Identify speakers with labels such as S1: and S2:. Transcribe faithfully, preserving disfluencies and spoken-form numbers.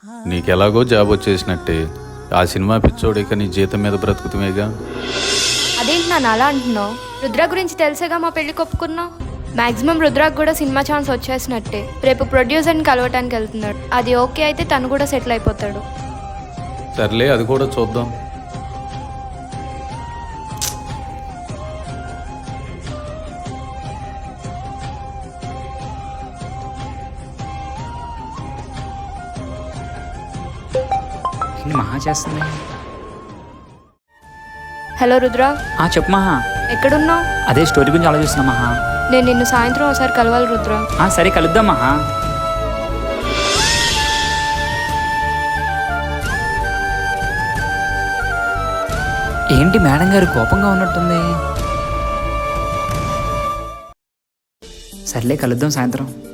S1: నీకెలాగో job వచ్చేసినట్టే ఆ cinema పిచ్చోడిక నీ జీతం మీద బ్రతుకుతామేగా.
S2: అదేంటి నాన్న అలా అంటున్నావు? రుద్ర గురించి తెలిసేగా మా పెళ్లి ఒప్పుకున్నావు. మాక్సిమం రుద్రాకు కూడా సినిమా ఛాన్స్ వచ్చేసినట్టే. రేపు ప్రొడ్యూసర్ని కలవటానికి వెళ్తున్నాడు. అది ఓకే అయితే తను కూడా సెటిల్ అయిపోతాడు.
S1: సర్లే, అది కూడా చూద్దాం.
S3: మహా చేస్తుంది.
S2: హలో రుద్ర,
S3: ఆ చెప్పు మహా.
S2: ఎక్కడున్నావు?
S3: అదే స్టోరీ గురించి ఆలోచిస్తున్నా మహా.
S2: నేను నిన్ను సాయంత్రం ఒకసారి కలవాలి రుద్ర.
S3: ఆ సరే కలుద్దాం మహా. ఏంటి మేడం గారు కోపంగా ఉన్నట్టుంది? సర్లే కలుద్దాం సాయంత్రం.